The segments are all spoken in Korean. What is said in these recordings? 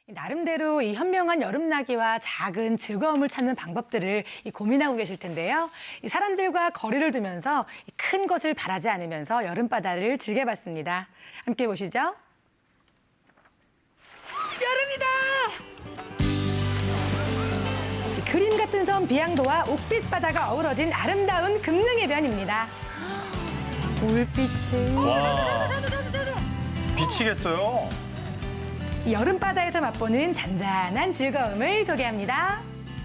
나름대로 이 현명한 여름나기와 작은 즐거움을 찾는 방법들을 고민하고 계실 텐데요. 이 사람들과 거리를 두면서 큰 것을 바라지 않으면서 여름바다를 즐겨봤습니다. 함께 보시죠. 여름이다! 그림 같은 섬 비양도와 옥빛 바다가 어우러진 아름다운 금능해변입니다. 물빛이. 와, 미치겠어요. 이 여름바다에서 맛보는 잔잔한 즐거움을 소개합니다.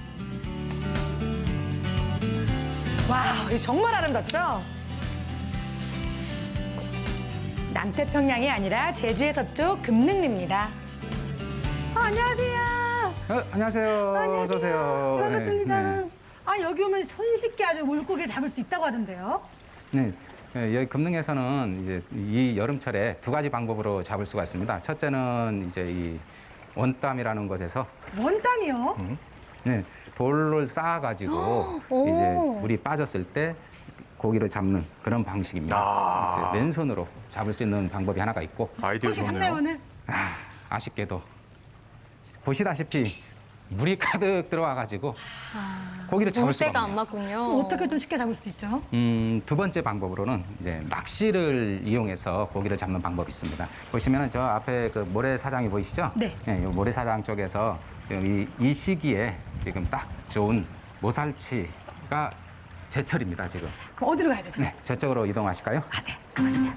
와, 정말 아름답죠? 남태평양이 아니라 제주의 서쪽 금능리입니다. 안녕하세요. 안녕하세요. 어서 오세요. 반갑습니다. 네, 아, 여기 오면 손쉽게 아주 물고기를 잡을 수 있다고 하던데요. 네. 네, 여기 금능에서는 이제 이 여름철에 두 가지 방법으로 잡을 수가 있습니다. 첫째는 이제 이 원땀이라는 곳에서 원땀이요? 네, 돌을 쌓아가지고 오. 이제 물이 빠졌을 때 고기를 잡는 그런 방식입니다. 아. 이제 맨손으로 잡을 수 있는 방법이 하나가 있고 아이디어 잡나요, 좋네요. 오늘? 아쉽게도 보시다시피 물이 가득 들어와가지고 고기를 잡을 수가 물때가 없네요. 안 맞군요. 어떻게 좀 쉽게 잡을 수 있죠? 두 번째 방법으로는 이제 낚시를 이용해서 고기를 잡는 방법이 있습니다. 보시면은 저 앞에 그 모래사장이 보이시죠? 네. 이 모래사장 쪽에서 지금 이 시기에 지금 딱 좋은 모살치가 제철입니다, 지금. 그럼 어디로 가야 되죠? 네, 저쪽으로 이동하실까요? 아, 네. 가보시죠.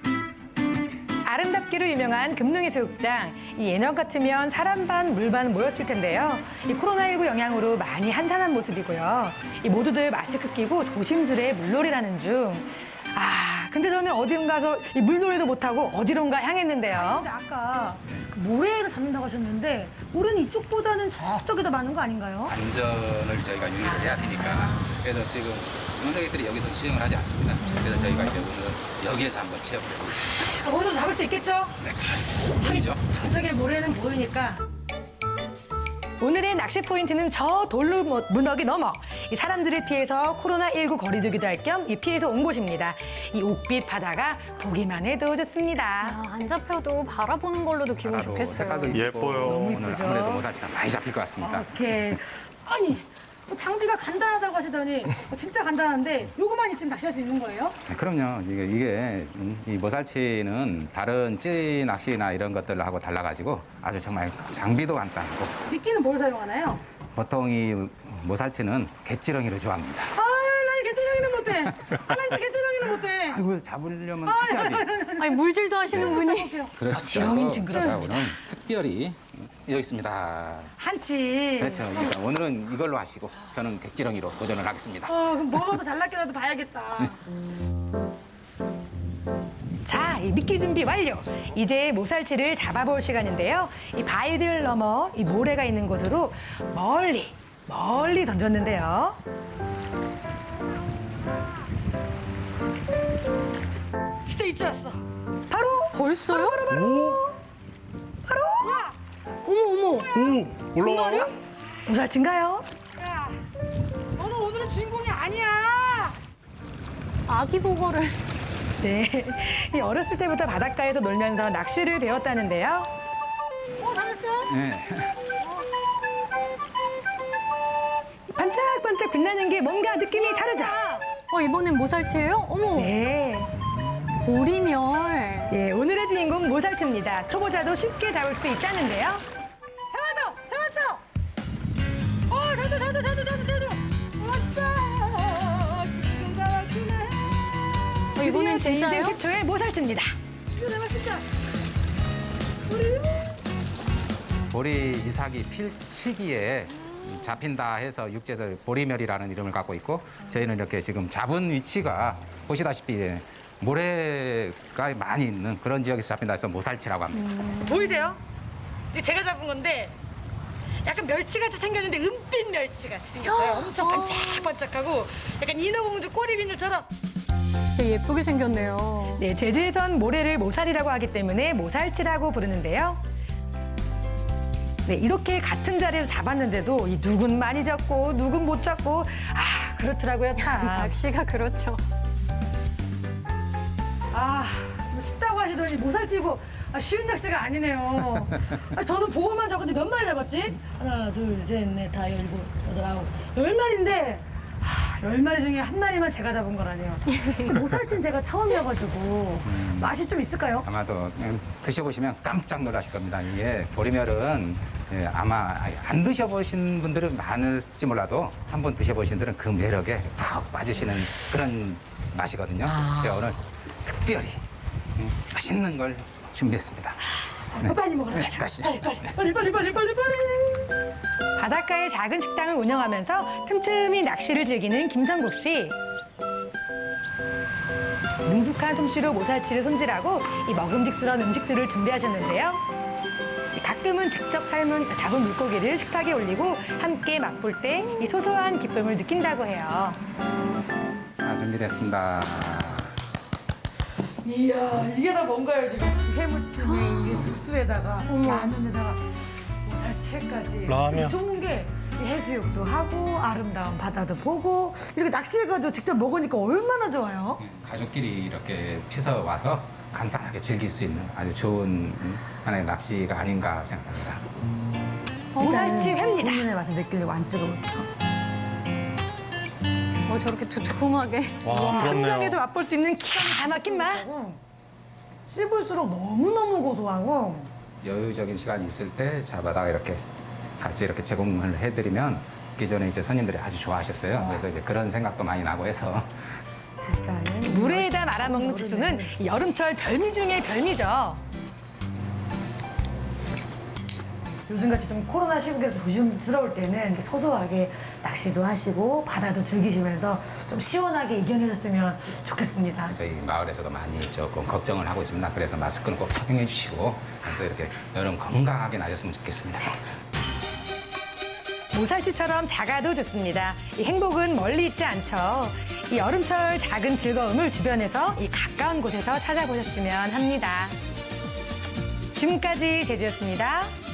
아름답기로 유명한 금능해 수욕장. 이 예년 같으면 사람 반, 물 반 모였을 텐데요. 이 코로나19 영향으로 많이 한산한 모습이고요. 이 모두들 마스크 끼고 조심스레 물놀이라는 중. 아, 근데 저는 어딘가서 이 물놀이도 못하고 어디론가 향했는데요. 근데 아까 그 모래를 잡는다고 하셨는데 모래는 이쪽보다는 저쪽에 더 많은 거 아닌가요? 안전을 저희가 유의를 해야 되니까. 그래서 지금 운석객들이 여기서 수영을 하지 않습니다. 그래서 저희가 이제 오늘 여기에서 한번 체험을 해보고 있습니다. 거기서 잡을 수 있겠죠? 네, 보이죠? 저쪽에 모래는 보이니까. 오늘의 낚시 포인트는 저 돌로 문어기 넘어 이 사람들을 피해서 코로나19 거리두기도 할 겸 이 피해서 온 곳입니다. 이 옥빛 바다가 보기만 해도 좋습니다. 아, 안 잡혀도 바라보는 걸로도 기분 바다도 좋겠어요. 색깔도 이쁘고 예뻐요. 너무 오늘 이쁘죠? 아무래도 모살치가 많이 잡힐 것 같습니다. 오케이. 아니, 뭐 장비가 간단하다고 하시더니 진짜 간단한데 요거만 있으면 낚시할 수 있는 거예요? 네, 그럼요. 이게 이 모살치는 다른 찌 낚시나 이런 것들하고 달라가지고 아주 정말 장비도 간단하고 미끼는 뭘 사용하나요? 보통 이 모살치는 갯지렁이를 좋아합니다. 아, 난 개천형이는 못해. 아, 난 진짜 개천형이는 못해. 아이고 잡으려면 하셔야지. 아니, 물질도 하시는 분이. 그러시죠. 지렁이는 징그럽습니다. 오늘 특별히 여기 있습니다. 한치. 그렇죠. 그러니까 오늘은 이걸로 하시고 저는 갯지렁이로 도전을 하겠습니다. 그럼 뭐가 더 잘났게라도 봐야겠다. 자, 이 미끼 준비 완료. 이제 모살치를 잡아볼 시간인데요. 이 바위들 넘어 이 모래가 있는 곳으로 멀리 던졌는데요. 진짜 입줄 알았어. 바로 벌써요? 오, 어머. 오, 올라와요? 모살치인가요? 야, 너는 오늘은 주인공이 아니야. 아기 보거를. 네, 이 어렸을 때부터 바닷가에서 놀면서 낚시를 배웠다는데요. 잘했어? 네. 반짝반짝 빛나는 게 뭔가 느낌이 다르죠? 이번엔 모살치예요? 어머, 네. 보리멸. 예, 오늘의 주인공 모살치입니다. 초보자도 쉽게 잡을 수 있다는데요. 잡았어! 저도. 왔다! 이번엔 제 인생 진짜요? 최초의 모살치입니다. 이거 내가 진짜. 보리 이삭이 필 시기에 잡힌다 해서 육지에서 보리멸이라는 이름을 갖고 있고 저희는 이렇게 지금 잡은 위치가 보시다시피 모래가 많이 있는 그런 지역에서 잡힌다 해서 모살치라고 합니다. 보이세요? 이거 제가 잡은 건데 약간 멸치같이 생겼는데 은빛 멸치같이 생겼어요. 엄청 반짝반짝하고 약간 인어공주 꼬리비늘처럼. 진짜 예쁘게 생겼네요. 네, 제주에선 모래를 모살이라고 하기 때문에 모살치라고 부르는데요. 네, 이렇게 같은 자리에서 잡았는데도 이 누군 많이 잡고 누군 못 잡고 그렇더라고요, 참. 낚시가 그렇죠. 뭐 춥다고 하시더니 모살치고 쉬운 낚시가 아니네요. 저는 보고만 적은데 몇 마리 잡았지? 하나, 둘, 셋, 넷, 다, 열일곱, 여덟, 아홉. 10마리인데 10마리 중에 한 마리만 제가 잡은 거라니요. 모살치는 제가 처음이어가지고 맛이 좀 있을까요? 아마도 드셔보시면 깜짝 놀라실 겁니다. 이게 보리멸은 아마 안 드셔보신 분들은 많을지 몰라도 한번 드셔보신 분들은 그 매력에 푹 빠지시는 그런 맛이거든요. 제가 오늘 특별히 맛있는 걸 준비했습니다. 빨리 먹으러 네, 가자. 가시죠. 빨리. 바닷가에 작은 식당을 운영하면서 틈틈이 낚시를 즐기는 김성국 씨. 능숙한 솜씨로 모살치를 손질하고 이 먹음직스러운 음식들을 준비하셨는데요. 가끔은 직접 삶은 잡은 물고기를 식탁에 올리고 함께 맛볼 때 이 소소한 기쁨을 느낀다고 해요. 자, 준비됐습니다. 이야, 이게 다 뭔가요, 지금? 회무침에 이게 국수에다가 라면에다가 모살치까지. 라면. 좋은 게 해수욕도 하고 아름다운 바다도 보고 이렇게 낚시해가지고 직접 먹으니까 얼마나 좋아요. 가족끼리 이렇게 피서 와서 간단하게 즐길 수 있는 아주 좋은 하나의 낚시가 아닌가 생각합니다. 모살치 회입니다. 본인의 맛을 느끼려고 안 찍어볼게요. 저렇게 두툼하게. 와, 한강에서 부럽네요. 맛볼 수 있는 기가 막힌 맛. 씹을수록 너무너무 고소하고 여유적인 시간이 있을 때 잡아다가 이렇게 같이 이렇게 제공을 해드리면 기존에 이제 손님들이 아주 좋아하셨어요. 그래서 이제 그런 생각도 많이 나고 해서 일단은 물에다 말아먹는 국수는 이 여름철 별미 중의 별미죠. 요즘같이 좀 코로나 시국에서 조심스러울 때는 이렇게 소소하게 낚시도 하시고 바다도 즐기시면서 좀 시원하게 이겨내셨으면 좋겠습니다. 저희 마을에서도 많이 조금 걱정을 하고 있습니다. 그래서 마스크는 꼭 착용해 주시고 그래서 이렇게 여름 건강하게 나셨으면 좋겠습니다. 모살치처럼 작아도 좋습니다. 이 행복은 멀리 있지 않죠. 이 여름철 작은 즐거움을 주변에서 이 가까운 곳에서 찾아보셨으면 합니다. 지금까지 제주였습니다.